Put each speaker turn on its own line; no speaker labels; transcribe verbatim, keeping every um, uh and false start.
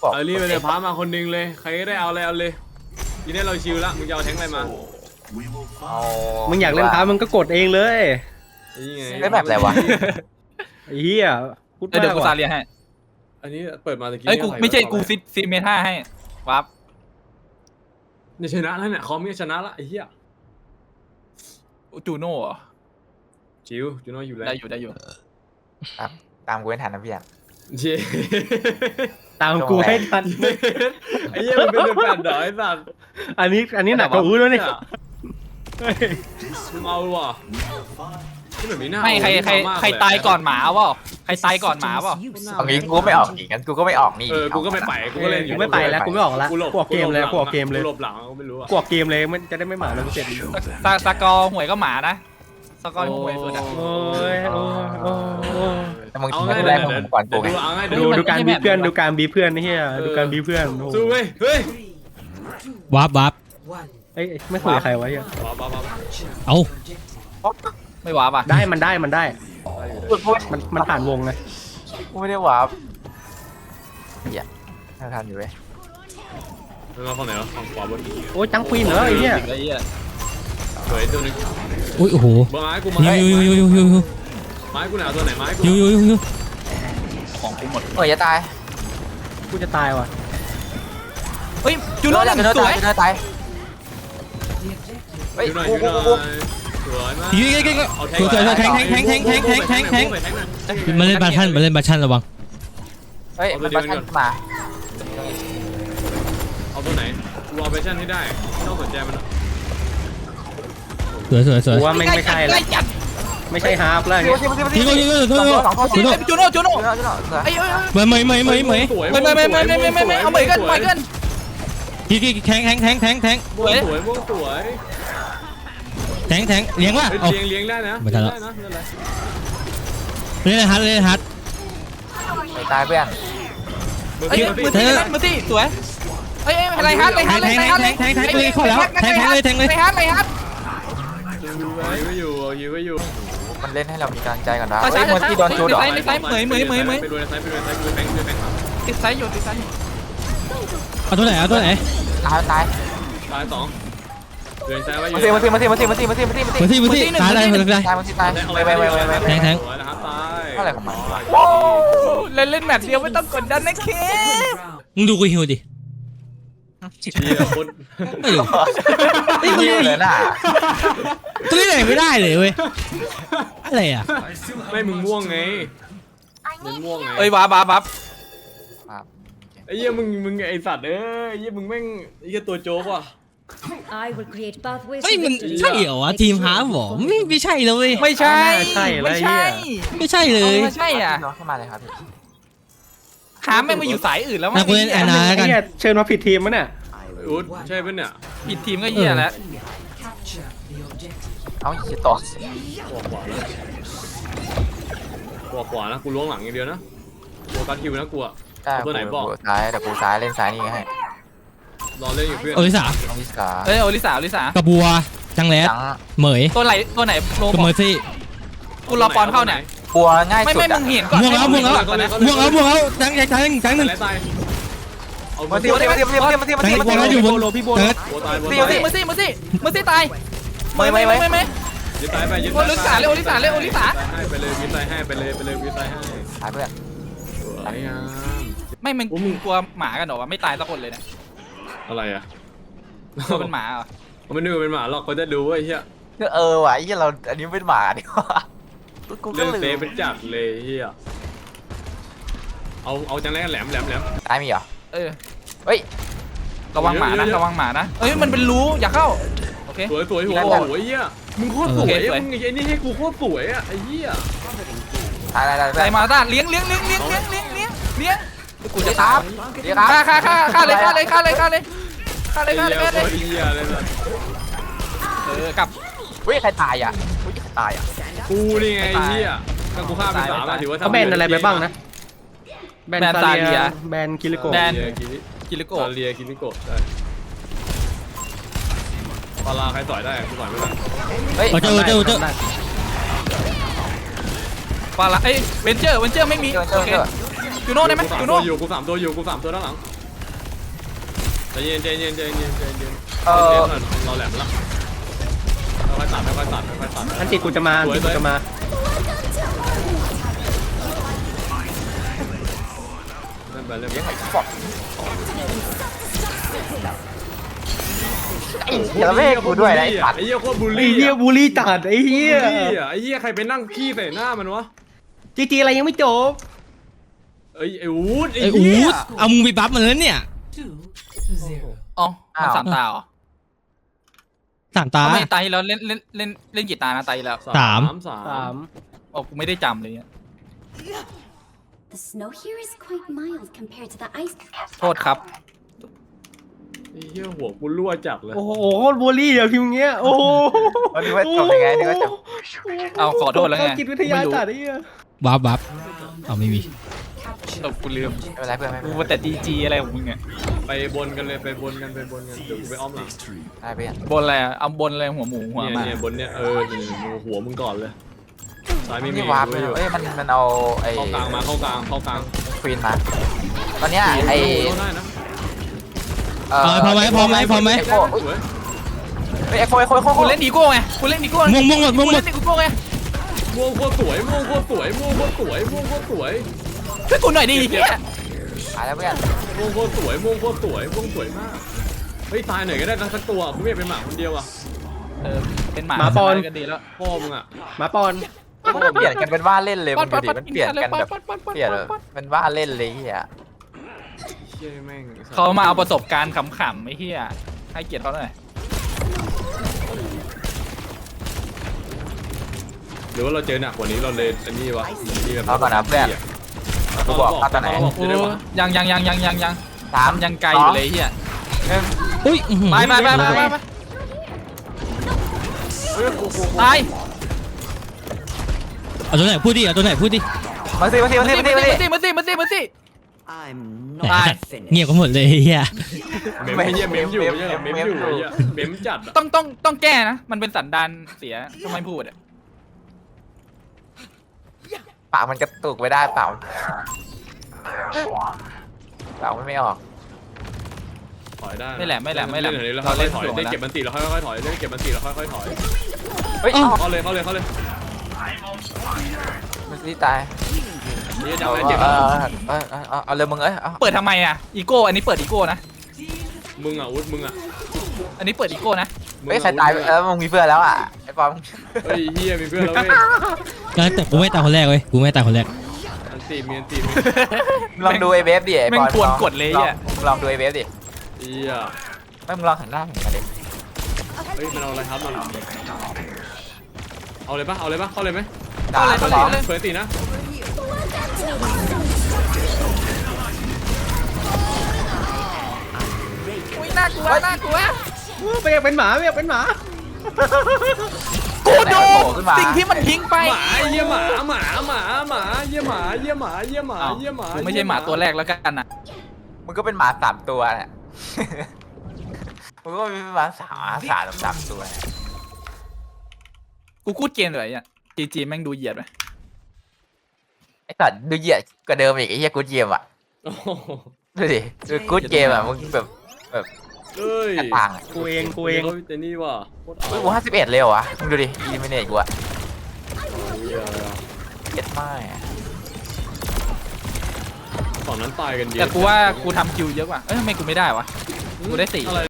เอารีบไปเลยพามาคนนึงเลยใครก็ได้เอาอะไรเอาเลยทีนี้เราชิลละมึงจะเอาแทงอะไรมา
มึงอยากเล่นพามึงก็กดเองเลย
เล่นแบบอะไรวะ
ไอ้เหี้ยพูดมาก
เดี๋ยวกูซาเลียให้
อันนี้เปิดมาตะกี้
เอ้ยกูไม่ใช่กูซิดซิดเมท่าให้วับ
เนี่ยชนะแล้วเนี่ยคอมเนี่ยชนะละไอ้เหี้ย
จูโน่
ชิวจูโน่อยู่แล้ว
ได้อยู่ได้อยู่
ตามกูไม่ทันนะพี่อ่ะ
เช่
ตามกูให้ทัน
ไอ้เหี้ยมันเป็นแฟนดอยสัตว์
อันนี้อันนี้หนักกว่าอู้แล้วเนี่ย
มึงเอาว่ะ
ไม่ใครใครใครตายก่อนหมาเปล่าใครตายก่อนหมาเปล่า
เอางี้กูไม่ออกอีกงั้นกูก็ไม่ออกนี่
เออกูก็ไม่ไปกูก็เล่นอยู่
กูไม่ไปแล้วกูไม่ออกแล้วกูออกเกมเลยกูออกเกมเลย
กูหลบหลังกูไม่รู้อ่ะ
กูออกเกมเลยมันจะได้ไม่หมาแล้วกูเสร็จ
สกอร์หวยก็หมานะสกอร์หวยสุดอ่ะ
โอ้ยโอ้ยโอ้ย
แต่มึงคิดไม่ได้ของผมก่อนกูไง
ดูดูการบีเพื่อนดูการบีเพื่อนนี่เฮียดูการบีเพื่อน
สู้เว้ยเฮ้ย
วับวับ
เอ้ยไม่คุยกับใครวะเฮีย
เอา
ไม่ว้าป่ะ
ได้มันได้มันได้มันมันผ่านวงไง
กูไม่ได้วาร์ปเหี้ยน่าทานอยู่เว้ย
มึงเอาฝั่งไหนวะฝั่งขวาบน
โอ้ยจังควีนเหรอไอ้เหี้ย
สวยตัวนึง
อุ้ยโอ้โห
ไม้กูมา
ยูยูยูยูยูยู
ไม้กูหนาวตัวไหนไม้กู
ยูยูยูยู
ของกูหมด
เออจะตาย
กูจะตายว่ะ
เฮ้ยจูโน่ยังสวย
จูโน่ตายเฮ้ยกูกูกู
ยูยูยูยูสวยสวยแทงแทงแทงแทงแทงแทงแทงแทงมาเล่นบาชันมาเล่นบาชันระวัง
เฮ้ยมันบาชันมา
เอาตัวไหนรอเวอร์ชันให้ได้ไม่ต้องสนใจมัน
สวยสวยสวย
ว่าไม่ไม่ใช่แล้วไม่ใช่ฮาร์ปแล้วเนี่ย
ยูยูยูยูยูยู
จูโน่จูโน่ไอ้เอ้ย
ไม่ไม่ไม่ไม่ไม่
ไม่ไม่ไม่ไม่ไม่ไม่ไม่เอาเหมือนกันเหมือนกัน
กี่กี่แทงแทงแทงแทงแทง
สวยสวยสวย
แทงแทงเลี้ยงว่ะ
เลี้ยงเลี้ยงได้นะ
ไม่ทันแล้วเล่นฮัทเล่นฮัท
ตายเพื่อน
เฮ้ยมือตีมือตีสวยเฮ้ยอะไรฮัทอะไรฮัทอะไรฮัทอะไร
แทงแทงเลยเข้าแล้วแทงแทงเลยแทงเลย
อะไรฮัทอะไรฮัท
ยื้อไว้อยู่ยื้อไว้อยู่
มันเล่นให้เรามีกำลังใจก่อนนะเฮ้ยมือที่โดนจูดหรอ
ไซส์เหมยเหมยเหมยเหมย
ไปดูในไซส์ไปดูในไซส์ดูแบงค์ดูแบงค์
ติดไซส์อยู่ติดไซส์
เอาตัวไหนเอาตัวไหน
ตายตาย
ตายสองเดินไซส์ไว้อยู่
มาสิมาสิมาสิมาสิมาสิมาสิมาสิมาสิ
มาสิมาสิตายอะไรมา
ตายมาสิตายไปไปไปไป
แทงแทง
อะไรของมัน
เล่นเล่นแมตช์เดียวไม่ต้องกดดันนะเค
มึงดูกูฮิวดิ
เชี่ยคน
ไม่รู้
ไม่รู้เลยน่ะ
ตัวนี้ไหนไม่ได้เลยเว้ยอะไรอ่ะ
ไม่มึงม่วงไงมึงม่วงไง
เอ้ยบ้าบ้าบ้า
ไอ้เหี้ยมึงมึงไอ้สัตว์เอ้ยไอ้เหี้ยมึงแม่งไอ้เหี้ยตัวโจ๊กว่ะ
เฮ้ยมันใช่เหรอวะทีมฮาร์ฟหรอไม่ไม่ใช่เลย
ไม่ใช่ไม่ใช่
ไม่ใช่เลย
ไม่ใช่อ่ะ
เข้ามาเลยครับ
หาแม่งมาอยู่สายอื่นแล้วมั้ง
นักเล่นแอนนากัน
เชิญมาผิดทีมมั้ยเนี่ย
อุ๊ดใช่ปะเนี่ย
ผิดทีมก็เหี้ยแล้ว
เอาอีกต่อ
ขวาขวานะกูล้วงหลังอย่างเดียวนะตัวการคิวนะกูอะตัวไหนบอก
ซ้ายแต่กูซ้ายเล่นซ้ายนี่ไง
รอเล่นอยู่เพื่อน
โอลิสา
โอลิสา
เอ้ยโอลิสาโอลิสาก
ระบัวจังแรดเหมย
ตัวไหนตัวไหนโล
กับเมอร์ซี่
กูรอปอนเข้าเนี่ย
บัวง่ายสุด
ไม่ไม่มึงเห็นก่อน
ม่วงแล้วม่วงแล้วม่วงแล้วม่วงแล้วจังจังจังจังหนึ่ง
มาสิมาสิมาสิมาสิมาสิมาสิมาสิมาสิ
มาสิอยู่บนโลพี่โบนัส
มาสิมาสิมาสิมาสิตาย
ไม่ไม่ไม่ไม่
ยึดตายไปยึด
โอลิสาเลยโอลิสาเลยโอลิสา
ให้ไปเลยยึดตายให้ไปเลยไปเลยยึดตายให้
ตายเพื่อน
ตายอ่ะ
ไม่มึงมึงกลัวหมากันหรอวะไม่ตายสักคนเลยเนี่ย
อะไรอ่ะ
เขาเป็นหมาเหรอ
เขาไม่นึกว่าเป็นหมาหรอกเขาจะดูว่าไอ้เหี้ย
เออว่ะไอ้เหี้ยเราอันนี้เป็นหมาดิวะ
เรื่องเซฟเป็นจัดเลยเหี้ยเอาเอาจังแรกแหลมแหลมแหลม
ตายมีเหรอ
เออ
เฮ้ย
ระวังหมานะระวังหมานะเอ้ยมันเป็นรูอย่าเข้าโอเค
สวยสวยหัวสวยเหี้ยมึงโคตรสวยมึงไอ้นี่ให้กูโคตรสวยอ่ะไอ้เหี้ย
ตายตายตาย
ตายมาตาเลี้ยงเลี้ยงเลี้ยงเลี้ยงเลี้ยงเลี้ยงเลี้ยงเลี้ยง
กูจะตามเลี้ยง
ฆ่าฆ่าฆ่าฆ่าเลยฆ่าเลยฆ่าเลยฆ่าเลยฆ่าเลยฆ่าเลยฆ่าเลยเออกลับ
เฮ้ยใครตายอ่ะเฮ้ยใครตายอ่ะ
กูนี่ไงเหี้ยถ้ากูฆ่าไปสามถือว่า
เขาแบนอะไรไปบ้างนะแบนซาเลียแบนกิริโก
แบนกิริโก
ซาเลียกิริโกได้ปลาใครต่อยได้กูต่อยไม่ได้
เฮ้ย
เจอเจอเจอ
ปลาเอ้ยเวนเจอร์เวนเจอร์ไม่มีโอเคจูโน่ได้ไหมจูโน่
อยู่กูสามตัวอยู่กูสามตัวด้านหลังใจเย็นใจเย็นใจเย็นใจเย็น
เออ
เราแหลมละค่อยๆตัดค่อยๆตัดค่อยๆตัด
อันติกูจะมาอันติกูจะมา
เล่นไปเล่นไป
ไอ้เหี้ยแล้วไม่ให้กูด้วยนะไอ้สัตว์
ไอ้เหี้ยโคตรบูล
ไอ้
ลี่
เหี้ยบูลลี่จัดไอ้เหี้ย
ไอ้เหี้ยใครไปนั่งขี้ใส่หน้ามันวะ
จีจีอะไรยังไม่จบ
เอ้ยไอ้อูดไอ้
ไอ้อู
เหี้ย
ดเอามึงไปบัฟมันแล้วเนี่ย
อ๋อมันสามตาเหรอ
สามตา
ทำไมตายแล้วเล่นเล่นเล่นเล่นกี่ตานะตายแล้ว
สาม
สาม
สาม
โอ้กูไม่ได้จำเลยเนี่ย
The snow here is quite mild compared to the ice.
โทษครับ
ไอ้เหี้ยหัวกูรั่วจัดเลย
โอ้โหโคตรบูลลี่อะพิมพ์เงี้ยโอ้โห
วันนี้ว่าจบยังไงนี่ว่าจบ
เอาขอโทษแล้วไง
จิตวิทยาจัดไอ้เหี้ย
บัฟบัฟเอาไม่มี
ตกกูลืม
ไม่เป็นไรเพื่อนไม่เป็น
กู
ไร
ว่าแต่ดีจีอะไรของมึงเนี่ย
ไปบนกันเลยไปบนกันไปบนกันเดี๋ยวกูไปอ้อมหลัง
ได้เพื่อน
บนอะไรอะเอาบนอะไรหัวหมูหัว
เนี่ย
หมา
เนี่ยบนเนี่ยเออนี่หัวมึงก่อนเลยซ้ายไม่มี
นี่วาร์ปเลยเอ้ยมันมันเอาไอ้
เข้ากลางมาเข้ากลางเข้ากลาง
ควีนมาตอนเนี้ยไอ้
ได้นะ
เอ่
เออพอไหมพอไหมพอไหม
เอ็กโค
สวย
เฮ้ยเอ็กโคเอ็กโคเอ็กโค
กูเล่นอีโก้ไงกูเล่นอีโก้
ม่วงม่วงหมดม่วงหมด
กูเล่นอีโก้ไง
ม่วงโคตรสวยม่วงโคตรสวยม่วงโคตรสวยม่วงโคตรสวย
ช่วยกูหน่อยดิเฮีย
ตายแล้วเพื่อน
ม่วงโคตรสวยม่วงโคตรสวยม่วงสวยมากเฮ้ยตายหน่อยก็ได้สักตัวกูไม่อยากเป็นหมาคนเดียวอ่ะ
เออเป็นหมา
หมาปอน
ก็ดีแล้ว
พ่อมึงอ่ะ
หมาปอน
มันเปลี่ยนกันเป็นว่าเล่นเลยมันดูดิมันเปลี่ยนกันแบบ
ป๊อดป๊อดป๊อดป๊อด
เปลี่ยนแบบเป็นว่าเล่นเลยเฮีย
เชี่ยแม่ง
เขามาเอาประสบการณ์ขำๆไอ้เฮียให้เกียรติเขาหน่อย
หรือว่าเราเจอหนักกว่านี้เราเลยอันนี้วะนี่แบบ
เอาก่อนนะเพื่อนกูบอกเอาตอนไหน
บอกจะได้วะ
ยังยังยังยังยังยัง
สาม
ยังไกลอยู่เลยเฮีย
หนึ่ง
อุ้ยอื้อหือ
ไปไปไปไปไป
เฮ้ยกูกู
ตาย
เอาตัวไหนพูดดิเอาตัวไหนพูดดิ
มาสิมาสิมาสิมาสิมาสิ
มาสิมาสิมาสิมาสิ
I'm
ไหน
not
สัตว์
finished.
เงียบกันหมดเลยเฮีย
เมมไม่เยี่ยเมมอยู่ไม่ใช่เหรอเมมอยู่ไอ้เหี้ยเมมจัดอ่ะ
ต้องต้องต้องแก้นะ มันเป็นสันดานเสียทำไมพูดอ่ะ
ปากมันกระตุกไม่ได้เปล่าเปล่ามันไม่ออก
ถอยได้
ไม่แหละไม่แหละไม่แหละ
เล่นเดี๋ยว
เรา
เรา
เล่
เล่
น
นถอย
ถ่วง
เล่น
แล้ว
เก็บมันตีเราค่อยๆถอยเล่นเก็บมันตีเราค่อยๆถอย
เฮ้ย
เข้าเลยเข้าเลยเข้าเลย
มันสิตาย
นี่จะ
เอา
เอา
เอ
เจ็บ
อเออเออเอาเอาเลยมึงเอ้ยเอา
เปิดทำไมอ่ะอีโก้อันนี้เปิดอีโก้นะ
มึงอ่ะอุ๊ดมึงอ่ะ
อันนี้เปิดอีโก้นะ
เฮ้ยใครตายเออมึงมีเพื่อนแล้วอ่ะไอ้ปอม
เฮ้ยเฮียมีเพื่อนแล้วเว้ย
แล้วแต่กูไม่ตายคนแรกเว้ยกูไม่ตายคนแรก
อันตีมีอันตีมี
มึงลองดูไอ้เบฟดิไอ้ปอม
แม่งควรกดเลยอ่ะ
มึงลองดูไอ้เบฟดิ
เฮีย
ไม่มึงลองหันหน้าหันมาดิ
เฮ้ยมันเอาอะไรครับมันเอาเลยปะเอาเลยปะเข้าเลยไหม
สาม
เปิด
ส
ตี
อง
นะเปิดตีนะ
อุ้ยน่ากลัวน่ากลัว
ไม่อยากเป็นหมาไม่อยากเป็นหมา
กูดู
โผล่ขึ้นมา
สิ่งที่มันทิ้งไป
หมาเยี่ยหมาหมาหมาหมาเยี่ยหมาเยี่ยหมาเยี่ยหมา
อ้าว
เยี่ยหมา
กูไม่ใช่หมาตัวแรกแล้วกันอ่ะ
มึงก็เป็นหมาสามตัวเนี่ย มึงก็เป็นหมาสามสามสามตัวเนี่ย
กูกูดเกมเลยอ่ะจีจีแม่งดูเหยียดไหม
ไอ้สัตว์ดูเหยียดกว่าเดิมอีกไอ้เหี้ยกูดเกมอ่ะ
โอ้โห
ดูดิดูกูดเกมอ่ะมึงแบบแบบ
เอ้ย
ต่างอ่ะ
กูเองกูเอง
ขาแต่นี่ว่ะโคตร
เฮ้ย
เอา
กูห้าสิบเอ็ดเลยเหรอวะมึงดูดิอีมิเนตกูอ่ะ
เหี้ย
เอ็ดไม่อะ
ฝั่งนั้นตายกันเยอะ
แต่กูว่ากูทำคิวเยอะกว่าเอ้ยทำไมกูไม่ได้วะกูได้สี่
อะไร